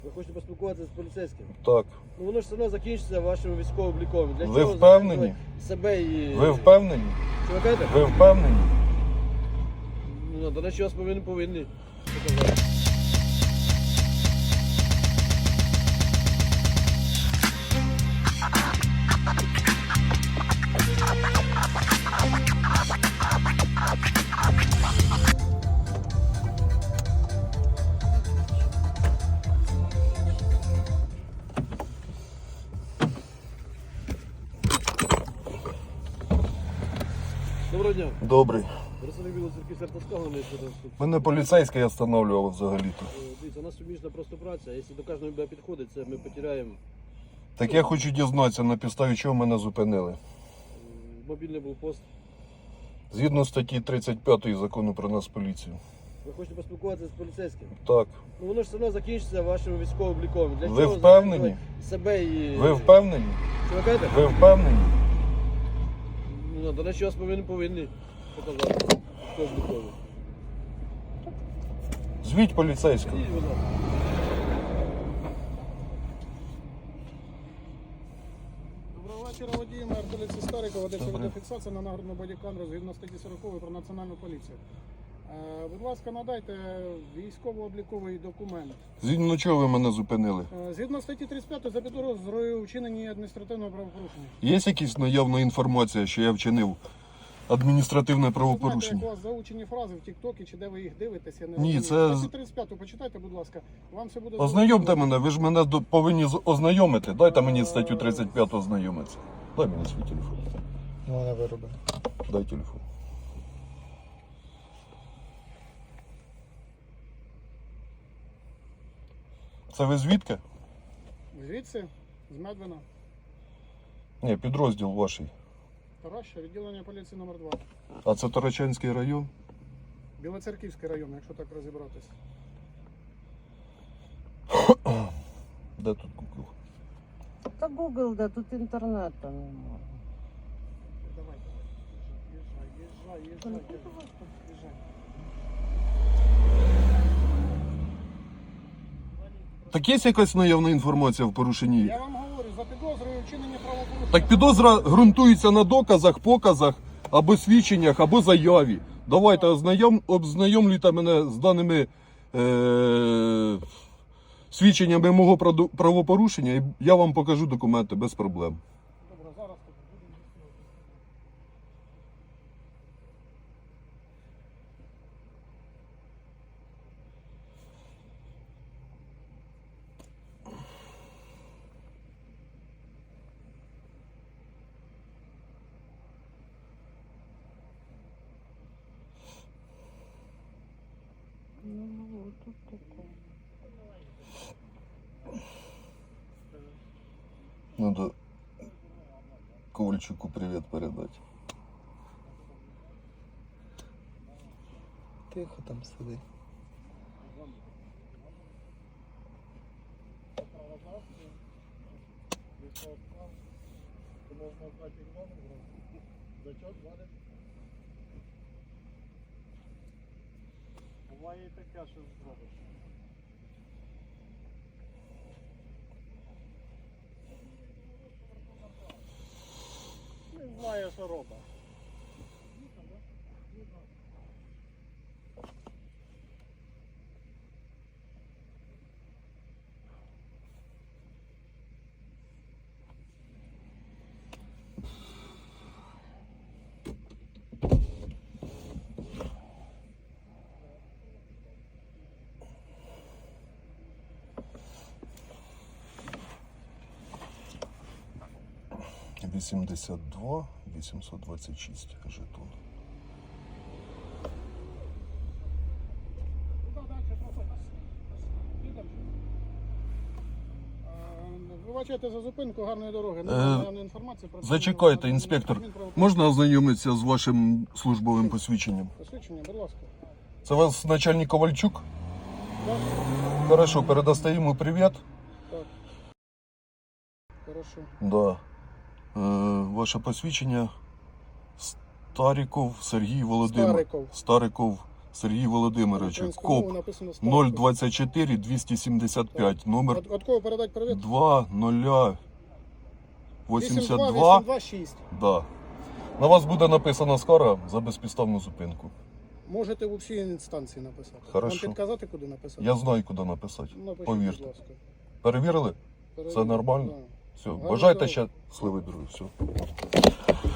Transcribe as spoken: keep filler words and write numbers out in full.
Ви хочете поспілкуватися з поліцейським? Так. Ну воно ж все одно закінчиться вашим військово-обліковим. Для Ви чого впевнені? записувати себе і... Ви впевнені? Що ви кажете? Ви впевнені? Ну, до речі, вас повинні повинні показати. Доброго дня. Добрий. Представник Білоцерківської сертовського що там тут. Мене поліцейський останавливав взагалі-то. Е, Дивіться, у нас суміжна просто праця. Якщо до кожного буде підходить, це ми потеряємо. Так я хочу дізнатися, на підставі чого мене зупинили. М, Мобільний блокпост. Згідно статті тридцять п'ятої закону про нас поліцію. Ви хочете поспілкуватися з поліцейським? Так. Ну воно ж все одно закінчиться вашим військово-обліковим. Для Ви чого впевнені? записувати себе і... Ви впевнені? Що ви кажете? Ви впевнені? Ну, до речі, вас повинні повинні показати. Військово-обліковим. Звіть поліцейського. Ідіть, будь ласка. Доброго вечора, водії, мер поліції Старикова, ведеться відеофіксація на нагородну бодікамеру згідно статті сорокової про національну поліцію. Е, будь ласка, надайте військово-обліковий документ. Згідно чого ви мене зупинили? Е, згідно статті тридцять п'ятої за підозрою у вчиненні адміністративного правопорушення. Є якась наявна інформація, що я вчинив адміністративне Знаєте, як правопорушення? у вас заучені фрази в Тіктокі, чи де ви їх дивитесь, я не Ні, розумію. це- Статтю тридцять п'яту почитайте, будь ласка. Вам все буде... Ознайомте мене, ви ж мене до- повинні з- ознайомити. Дайте мені статтю тридцять п'яту ознайомитися. Дай мені свій телефон. Ну, вона вироби. Дай телефон. Це ви звідки? Звідси, з Медвина, Ні, підрозділ ваший. Тараща, відділення поліції номер два. А це Тарачанський район? Білоцерківський район, якщо так розібратися. Де тут Google? Та Google, да, тут інтернету немає. Давай, їжджай, їжджай, їжджай, їжджай. Так є якась наявна інформація в порушенні? Я вам говорю, за підозрою вчинення правопорушення. Так підозра ґрунтується на доказах, показах, або свідченнях, або заяві. Давайте ознайом, ознайомлюйте мене з даними е- свідченнями мого праду- правопорушення, і я вам покажу документи без проблем. Добре, зараз тут будемо з'ясовувати. Ну, вот тут такое. Надо Ковальчуку привет передать. Тихо там сиди. Буває і таке, що зробиш. Не знаю, що робить. вісімдесят два вісімсот двадцять шість жетон. Куди далі проходь? Їдемо. Е, Вибачайте за зупинку, гарної дороги. Не Е, наявної інформації про Зачекайте, інспектор. Можна ознайомитися з вашим службовим посвідченням? Посвідчення, будь ласка. Це вас начальник Ковальчук? Так, Хорошо, передасте йому привіт. так. Хорошо. Да. Е, ваше посвідчення Стариков Сергій Володимир. Стариков. Стариков Сергій Володимирович, Українською мовою КОП написано нуль Стариков. двадцять чотири двісті сімдесят п'ять, номер От, от кого передати привіт? два нуль вісімдесят два. вісімдесят два шість. Да. На вас буде написана скарга за безпідставну зупинку. Можете в усій інстанції написати. Хорошо. Вам підказати, куди написати? Я знаю, куди написати. Напишіть, Повірте. будь ласка. Перевірили? Перевірте. нормально? Да. Все. Гарного Бажайте дня. ще сливи, друзі. Все.